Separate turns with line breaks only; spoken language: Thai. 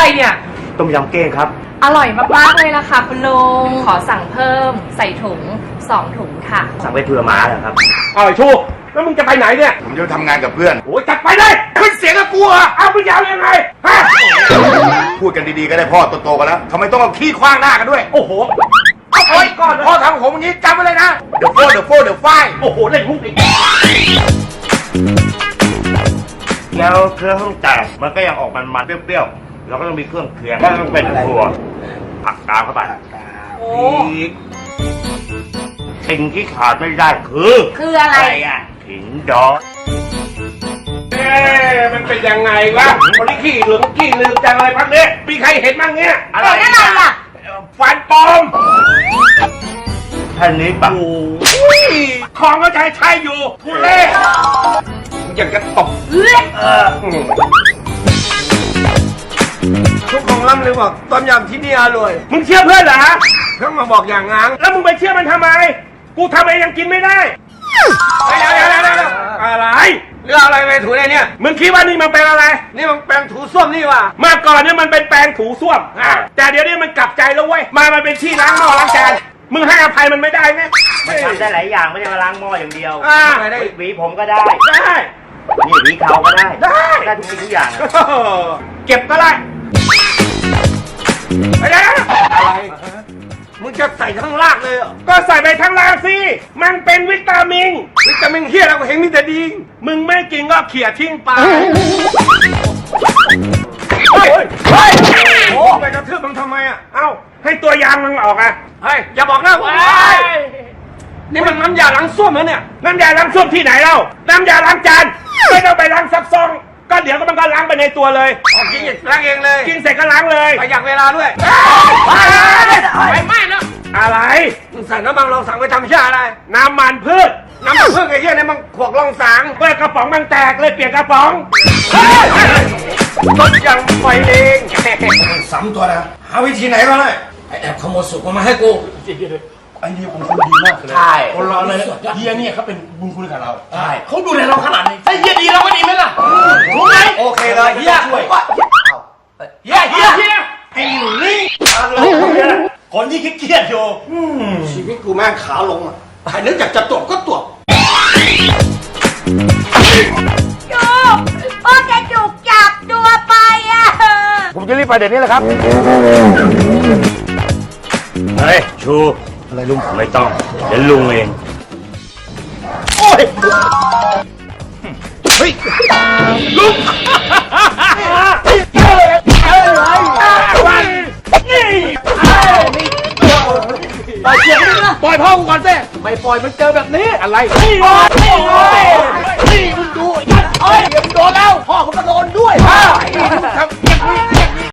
อะไรเนี่ย
ต้มยำเก้งครับ
อร่อยมากๆเลยล่ะค่ะคุณลุงขอสั่งเพิ่มใส่ถุง2 ถุงค่ะ
สั่งไปเผื่อหมาเหรอครับ
ไอ้ชูแล้วมึงจะไปไหนเนี่ย
ผมจะทำงานกับเพื่อน
โอ้ยจัดไปเลยขึ้นเสียงกับกูเหรอเอามึงยาวยังไงฮะ
พูดกันดีๆก็ได้พ่อโตๆกันแล้วทำไมต้องเอาขี้คว้างหน้ากันด้วย
โอ้โหเอาไปก่อนพ่อทำผมอย่างนี้จำไว้เลยนะ
เดี๋ยวไฟ
โอ้โหเล่นมุกอีก
แล้วเครื่องแตกมันก็ยังออกมันเปรี้ยวๆเราก็ต้องมีเครื่องเคียงก็ต้องเป็นถั่วผักกาดเข้าไปอีกสิ่งที่ขาดไม่ได้
คืออะไร
อ่ะขิงดอง
มันเป็นยังไงวะคนที่ขี้เหลืองขี้ลืมจังอะไรพักนี้มีใครเห็นบ้างเนี่ย
อะไรอ่ะ
ฟันปลอม
ท่านนี้ปะ
ของก็ใช้อยู่ทุเล่อยากจะตบ
ทุกของล่ำเลยบอกต้มยำที่นี่อร่อย
มึงเชื่อเพื่อนเหรอ
เพิ่งมาบอกอย่างงั้น
แล้วมึงไปเชื่อมันทำไมกูทำเองยังกินไม่ได้เดี๋ยวอะไร
เรื่องอะไรไปถูเนี่ย
มึงคิดว่านี่มันเป็นอะไร
นี่มันแปรงถูส้วมนี่ว่ะ
เมื่อก่อนเนี่ยมันเป็นแปรงถูส้วมแต่เดี๋ยวนี้มันกลับใจแล้วเว้ยมันเป็นที่ล้างหม้อล้างจานมึงให้อภัยมันไม่ได้ไง
มันทำได้หลายอย่างไม่ใช่มาล้างหม้ออย่างเดียวหวีผมก็ได้นี่หวีเขาก็ได้ทุกสิ่งทุกอย่าง
เก็บก็ได้
อะไรมึงจะใส่ทั้งรากเลย
ก็ใส่ไปทั้งรากสิมันเป็นวิตามิน
เฮียเราเห็นมีแต่ดี
มึงไม่กินก็เขี่ยทิ้งไป
โอ้ไปกระทืบมึงทำไมอ่ะ
เอ้าให้ตัวยางมึงออกอ่ะ
เฮ้ยอย่าบอกนะว่านี่มันน้ำยาล้างส้วมนะเนี่ย
น้ำยาล้างส้วมที่ไหนเล่าน้ำยาล้างจานไม่ต้องไปล้างซับซ้อนก็เดี๋ยวก็มันก็ล้างไปในตัวเลย
กินล้างเองเลย
กินเสร็จก็ล้างเลย
ประหยัดเวลาด้วย
ไปไม่แล้วอะไร
มึงใส่น้ำมันลองสั่งไปทำชาอะไร
น้ำมันพืช
ไอ้เหี้ยเนี่ยมันขวกลองสาง
เปิดกระป๋องมันแตกเลยเปลี่ยนกระป๋อง
รถยังไฟเองสามตัวนะหาวิธีไหนก็ได้ไอแอบขโมยสุกมาให้กู
ไอ้เฮียคนดีมากเลยคนเราเลยเฮียเนี่ยเขาเป็นบุญคุณกับเราใช่เขาดูแลเราขนาดนี้ถ้าเฮียดีเราก็ดีไหมล่ะรู้ไหม
โอเคเลยเฮีย
ช่วยเฮียไอ้ลิงคนที่เครียดอยู่
ชีวิตกูแม่งขาลงอ่ะใครนึกอยากจะตบก็ตบ
โอ้จะจุกจับตัวไปอ่ะ
ผมจะรีบไปเดี๋ยวนี้แหละครับ
เฮ้ยชูอะไรลุงไม่ต้องเดี๋ยวลุงเอง
โอ้ยเฮ้ยลุงปล่อยพ่อกูก่อนสิ
ไม่ปล่อยมันเจอแบบนี้
อะไร
นี่มึงดู